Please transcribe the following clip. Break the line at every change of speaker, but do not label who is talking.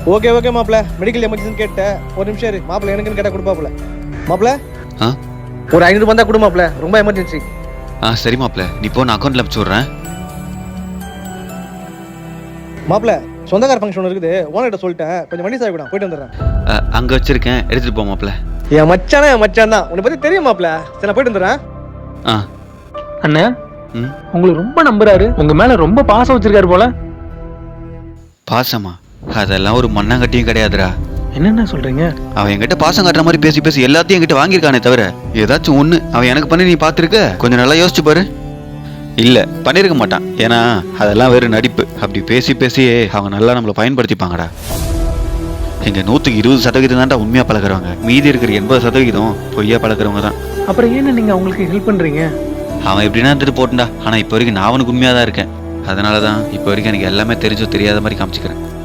Okay okay மாப்பிள்ள, medical emergency கேட்டேன். ஒரு நிமிஷம் இரு, மாப்பிள்ள எனக்குன்னு கேட்டால் கொடுப்பாப்புல. மாப்பிள்ள ஒரு 500 தான் கொடு மாப்பிள்ள, ரொம்ப எமர்ஜென்சி.
சரி மாப்பிள்ள, நீ போ, நான் அக்கௌண்ட்ல அனுப்பிச்சு விட்றேன்.
மாப்பிள்ள சொந்தக்கார ஃபங்க்ஷன் இருக்குது, ஓனர்கிட்ட சொல்லிட்டேன், கொஞ்சம் வண்டி சாவி கூட போயிட்டு வந்துடுறேன்.
அங்கே வச்சிருக்கேன், எடுத்துட்டு போ மாப்பிள்ள.
என் மச்சானே என் மச்சான் தான், உன்னை பற்றி தெரியும் மாப்பிள்ள. சரி நான் போயிட்டு வந்துடுறேன்.
அண்ணா உங்களுக்கு ரொம்ப நம்புறாரு, உங்க மேல ரொம்ப பாசம் வச்சிருக்காரு போல.
பாசமா? அதெல்லாம் ஒரு மண்ணாங்கட்டியும் கிடையாதுடா.
என்னென்ன சொல்றீங்க?
அவன் என்கிட்ட பாசம் காட்டுற மாதிரி பேசி பேசி எல்லாத்தையும் என்கிட்ட வாங்கியிருக்கானே தவிர ஏதாச்சும் ஒண்ணு அவன் எனக்கு பண்ணி நீ பார்த்துருக்க? கொஞ்சம் நல்லா யோசிச்சு பாரு. இல்ல பண்ணிருக்க மாட்டான், ஏன்னா அதெல்லாம் வேறு நடிப்பு. அப்படி பேசி பேசியே அவங்க நல்லா நம்மளை பயன்படுத்திப்பாங்கடா. எங்க 120% தான்டா உண்மையா பழகுறவங்க, மீதி இருக்கிற 80% பொய்யா பழகுறவங்க தான்.
அப்புறம் ஏன்னு நீங்க அவங்களுக்கு ஹெல்ப் பண்றீங்க?
அவன் எப்படின்னா இருந்துட்டு போட்டுண்டா, ஆனா இப்போ வரைக்கும் நான் அவனுக்கு உண்மையா தான் இருக்கேன். அதனாலதான் இப்போ வரைக்கும் எனக்கு எல்லாமே தெரிஞ்சோ தெரியாத மாதிரி காமிச்சிக்கிறேன்.